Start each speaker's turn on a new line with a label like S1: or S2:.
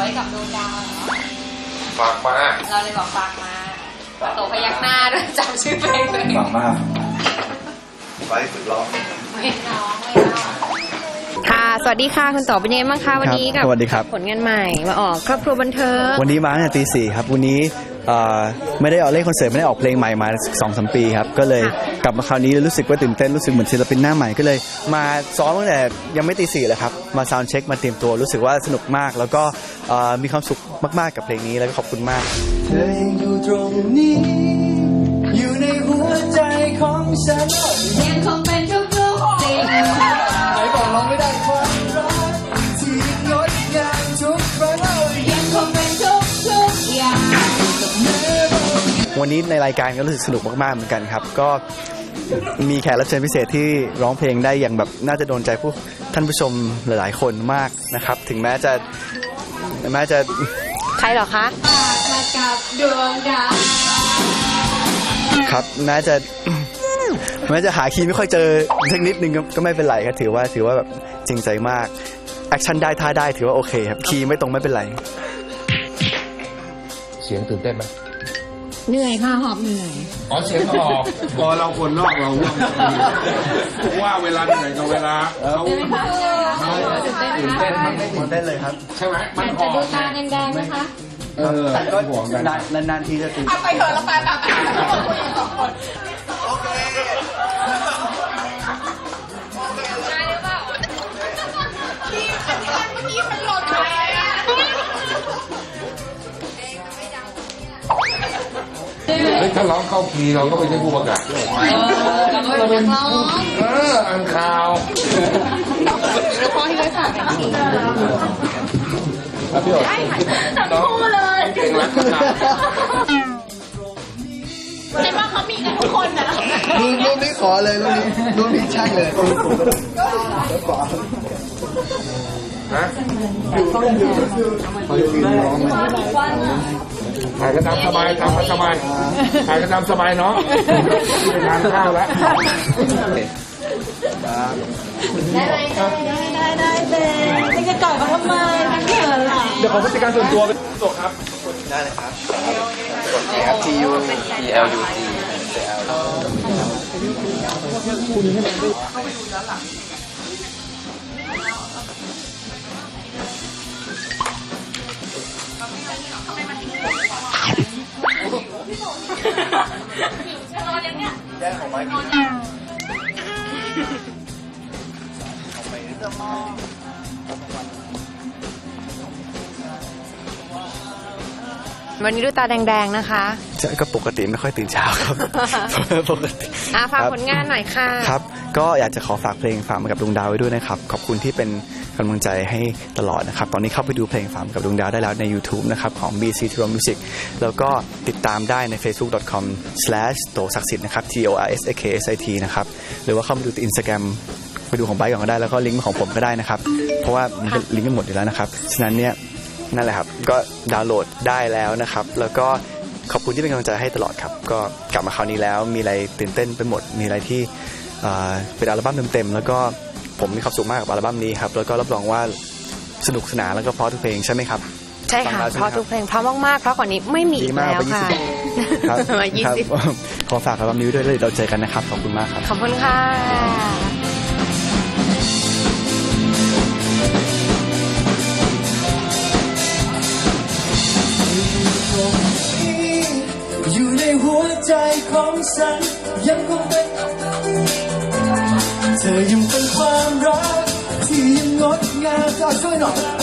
S1: กับดวงดาว
S2: ฝากมา
S1: เราเลยบอกฝากมาโตพยักหน้าด้วยจำชื่อเพลงเลย
S2: ฝากมาไปฝึกร้อง
S1: ไม่ร้องค่ะสวัสดีค่ะคุณต่อเป็นยังไงบ้างคะวันนี้กับผลงานใหม่มาออกครอบครัวบันเทิง
S3: วันนี้มาตั้งแต่ตี 4ครับวันนี้ไม่ได้ออกเล่นคอนเสิร์ตไม่ได้ออกเพลงใหม่มา 2-3 ปีครับก็เลยกลับมาคราวนี้รู้สึกว่าตื่นเต้นรู้สึกเหมือนศิลปินหน้าใหม่ก็เลยมาซ้อมตั้งแต่ยังไม่ตี 4เลยครับมาซาวด์เช็คมาเตรียมตัวรู้สึกว่าสนุกมากแล้วก็มีความสุขมากๆกับเพลงนี้แล้วก็ขอบคุณมาก
S4: เธอยังอยู่ตรงนี้อยู่ในหัวใจของฉัน
S1: ยังคงเป็นทุกๆสิ่งไหน
S4: บอกเราไม่ได้ความรักที่งดงามทุกครั้ง
S1: ยังคงเป็นทุกอย่าง
S3: วันนี้ในรายการก็รู้สึกสนุกมากๆเหมือนกันครับก็มีแขกรับเชิญพิเศษที่ร้องเพลงได้อย่างแบบน่าจะโดนใจท่านผู้ชมหลายๆคนมากนะครับถึงแม้จะ
S1: ใครหรอคะมากับดวงดาว
S3: ครับแม้จะหาคีย์ไม่ค่อยเจอสักนิดนึงก็ไม่เป็นไรครับถือว่าแบบจริงใจมากแอคชั่นได้ท่าได้ถือว่าโอเคครับคีย์ไม่ตรงไม่เป็นไร
S2: เสียงตื่นเต้นไหม
S1: เหนื่อยค่ะหอบเหนื่อย
S2: อ๋อเสียงออกพอเราคนนอกเราว่าเวลาเหนื่อยกับเวลาเขา
S3: ตื่นเต้นมันไม่ตื่นเต้นเลยครับ
S2: ใช่ไหมมัน
S1: ออกจะดูตาแดงๆนะคะ
S3: แต่ก็นานๆทีจะตื่น
S1: ไปเถอะแล้วไปคุยกันสองคน
S2: ถ้าร้องเข้าคีย์เราก็ไม่ใช่ผู้ประกาศ
S1: เราเป็นนักร้อง
S2: อ่านข่าว
S1: แล้วพ่อที่ได้ฝากเป็นคีย์
S2: พี่โอ๊ต
S1: ทั้งคู่เลย
S2: เก่งรักขนาด
S1: เห็นว่าเขามีกันทุกคนนะ
S3: รูปนี้ขอเลยรูปนี้ใช่เลย
S2: ฮะถ่ายกระดามสบายถ่ายกระดามสบายเนาะไปทานข้าวแล้ว
S1: ได้ไม่จะกอดเขาทำไมเขินหรอ
S2: เดี๋ยวขอผู้จัดการส่วนตัวเป็นตัวครับ
S3: ได้เลยครับกดครับ TULUT แย่ของไม้
S1: วันนี้ดูตาแดงๆนะคะ
S3: ก็ปกติไม่ค่อยตื่นเช้าครับปกติ
S1: ฝากผลงานหน่อยค่ะ
S3: ครับก็อยากจะขอฝากเพลงฝากมากับดวงดาวไว้ด้วยนะครับขอบคุณที่เป็นกำลังใจให้ตลอดนะครับตอนนี้เข้าไปดูเพลงฝากมากับดวงดาวได้แล้วใน YouTube นะครับของ BC Tro Music แล้วก็ติดตามได้ใน facebook.com/tosakksit นะครับ TORSAKSIT นะครับหรือว่าเข้าไปดู Instagram ไปดูของไบค์ก่อนก็ได้แล้วก็ลิงก์ของผมก็ได้นะครับเพราะว่ามันก็ลิงก์กันหมดอยู่แล้วนะครับฉะนั้นเนี่ยนั่นแหละครับก็ดาวน์โหลดได้แล้วนะครับแล้วก็ขอบคุณที่เป็นกำลังใจให้ตลอดครับก็กลับมาคราวนี้แล้วมีอะไรตื่นเต้นไปหมดมีอะไรที่เป็นอัลบั้มเต็มๆแล้วก็ผมมีความสุขมากกับอัลบั้มนี้ครับแล้วก็รับรองว่าสนุกสนานแล้วก็เพราะทุกเพลงใช่ไหมครับ
S1: ใช่ค่ะเพราะทุกเพลงเพราะมากๆเพราะกว่านี้ไม่มีอีกแล้วค่ะ
S3: ครับขอฝากอัลบั้มนี้ด้วยแล้วเราเจอกันนะครับขอบคุณมากครับ
S1: ขอบคุณค่ะ
S4: อยู่ในหัวใจของฉันยังคงเป็นเธอยังเป็นความรักที่ยังงดงามช่วยหน่อย